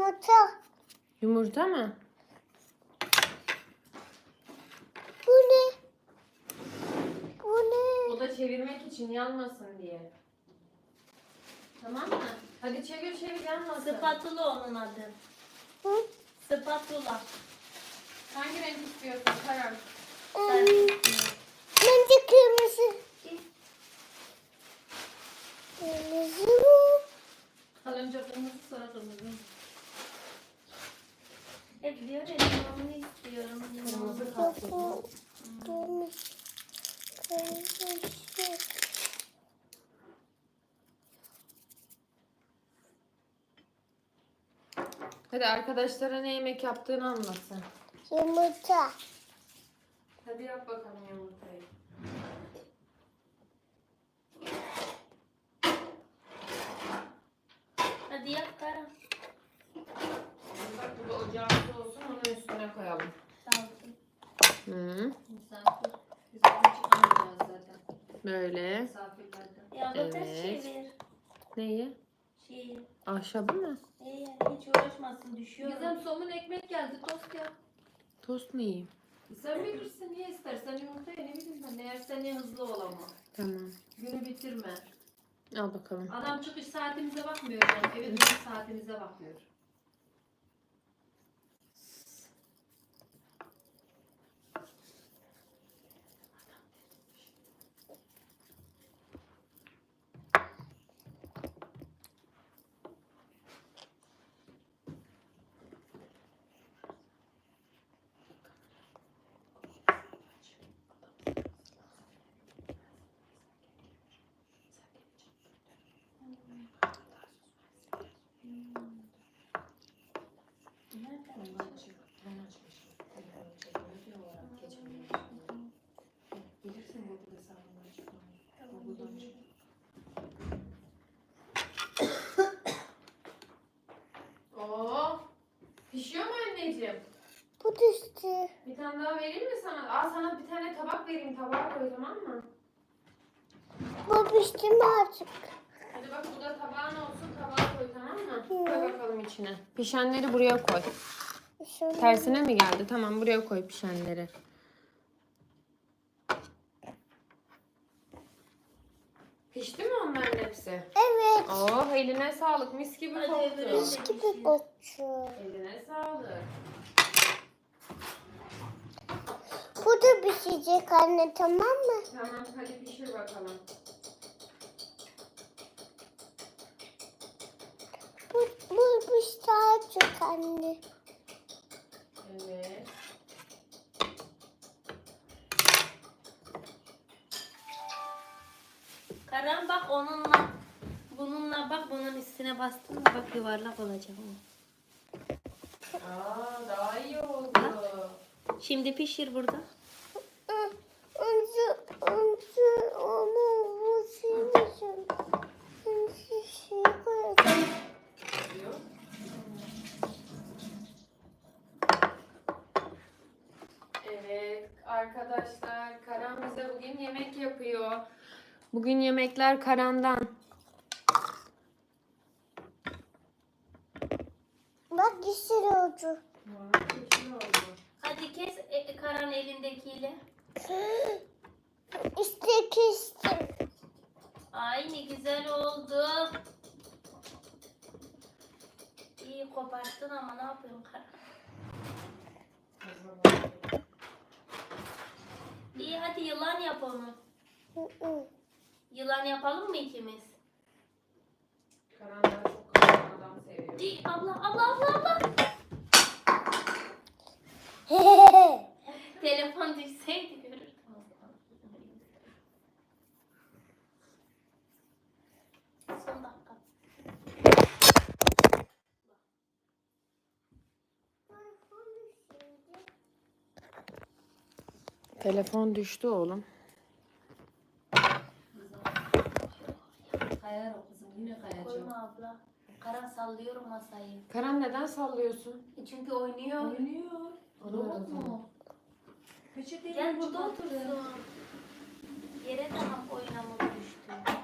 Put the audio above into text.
Yumurta. Yumurta mı? Bu ne? Bu ne? O da çevirmek için yanmasın diye. Tamam mı? Hadi çevir yanmasın. Spatula onun adı. Hı? Spatula. Hangi renk istiyorsun Karan? Sen Bence kırmızı. Kırmızı mı? Kalınca kırmızı sonra kırmızı. hep diyor ya ben onu istiyorum. Kırmızı Yok kalsın. bu. Kırmızı. Kırmızı. Hadi arkadaşlara ne yemek yaptığını anlatsın. Yumurta. Hadi yap bakalım yumurtayı. Hadi yap Karan. Bak burada ocağımız olsun, onun üstüne koyalım. Sağ olsun. Hı. Misafir. Biz bunu çıkamayacağız zaten. Böyle. Ya Evet. bu ters çevir. Neyi? Şey. Ahşabı mı? Hiç uğraşmasın düşüyor. Gizem somun ekmek geldi, tost yap. Tost mu yiyeyim? Sen bilirsin, niye istersen yumurtaya, ne bileyim ben, ne yersen ye, hızlı ol ama. Tamam. Günü bitirme. Al bakalım. Adam çıkış saatimize bakmıyor yani, eve dönüş saatimize bakıyor. Bilirsin Google hesabından çıkmayı. Google'dan çık. Oo. Pişiyor mu anneciğim? Bu düştü. Bir tane daha vereyim mi sana? Al sana bir tane tabak vereyim. Tabağa koy, tamam mı? Bu pişti mi artık? Hadi bak burada tabağın olsun. Tabağa koy, tamam mı? Koy bakalım içine. Pişenleri buraya koy. Şöyle. Tersine mi geldi? Tamam, buraya koy pişenleri. Pişti mi onların hepsi? Evet. Oh, eline sağlık. Mis gibi Hadi koktu. öbürünü de Gibi koktu. Eline sağlık. Bu da pişecek anne, tamam mı? Tamam, hadi pişir bakalım. Bu pişti artık anne. Evet. Karan bak onunla bununla bak bunun üstüne bastın mı bak yuvarlak olacak o. Daha iyi oldu. Şimdi pişir burada. Onu bu sileceğim. Şey koyacağım. Evet arkadaşlar, Karan bize bugün yemek yapıyor. Bugün yemekler Karan'dan. Bak yeşil oldu. Hadi kes Karan elindekiyle. İşte kestim. Ay ne güzel oldu. İyi koparttın ama ne yapıyorsun Karan? İyi hadi yılan yap onu. Yılan yapalım mı ikimiz? Karan daha çok Karan adam seviyor. İyi, abla. Telefon düşseydi görürdüm. Son dakika. Telefon düştü oğlum. Kayar o kızım, yine kayacak. Koyma abla. Karan sallıyorum masayı. Karan neden sallıyorsun? Çünkü oynuyor. Oynuyor. Robot mu? Peçeteyi Gel burada çıkarttı. otursun. Yere tamam oynamı düştü.